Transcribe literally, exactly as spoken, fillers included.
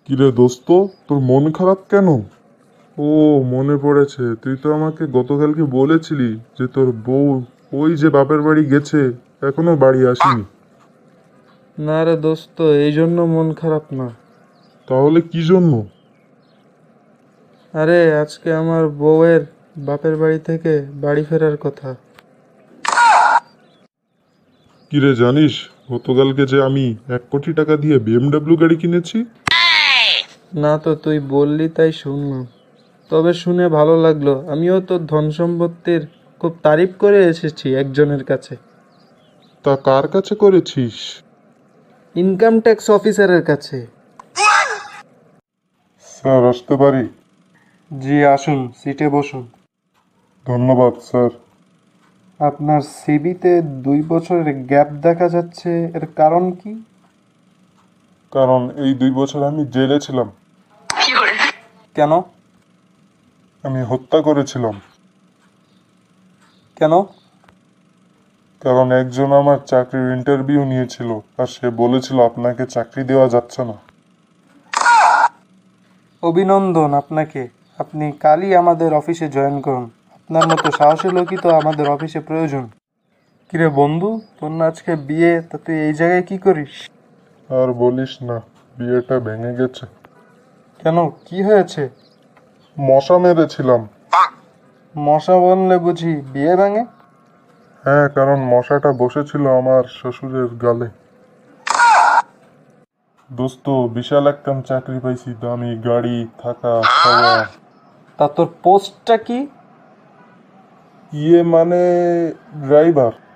কিরে দোস্ত, তোর মন খারাপ কেন? ও, মনে পড়েছে। তুই তো আমাকে গতকালকে বলেছিলি যে তোর বউ ওই যে বাপের বাড়ি গেছে, এখনো বাড়ি আসেনি। না রে দোস্ত, এই জন্য মন খারাপ না। তাহলে কি জন্য? আরে আজকে আমার বউয়ের বাপের বাড়ি থেকে বাড়ি ফেরার কথা। কিরে জানিস, গতকালকে যে আমি এক কোটি টাকা দিয়ে বিএমডাব্লিউ গাড়ি কিনেছি। না তো, তুই বললি তাই শুনলাম। তবে শুনে ভালো লাগলো। আমিও তোর ধন সম্পত্তির খুব তারিফ করে এসেছি একজনের কাছে। তা কার কাছে করেছিস? ইনকাম ট্যাক্স অফিসারের কাছে। স্যার, আসতে পারি? জি আসুন, সিটে বসুন। ধন্যবাদ স্যার। আপনার সিভিতে দুই বছরের গ্যাপ দেখা যাচ্ছে, এর কারণ কি? কারণ এই দুই বছর আমি জেলে ছিলাম। কেন? আমি হত্যা করেছিলাম। কেন? কারণ একজন আমার চাকরির ইন্টারভিউ নিয়েছিল, আর সে বলেছিল আপনাকে চাকরি দেওয়া যাচ্ছে না। অভিনন্দন আপনাকে। আপনি কালই আমাদের অফিসে জয়েন করুন। আপনার মতো সাহসী লোকই তো আমাদের অফিসে প্রয়োজন। কিরে বন্ধু, তোর না আজকে বিয়ে, তা তুই এই জায়গায় কি করিস? আর বলিস না, বিয়েটা ভেঙে গেছে। কেন, কি হয়েছে? মশা মেরেছিলাম। মশা বললে বুঝি বিয়ে ভাঙে? হ্যাঁ, কারণ মশাটা বসেছিল আমার শ্বশুরের গালে। দোস্ত, বিশাল একটা চাকরি পাইছি, দামি গাড়ি, থাকা খাওয়া। তা তোর পোস্টটা কি? ইয়ে মানে ড্রাইভার।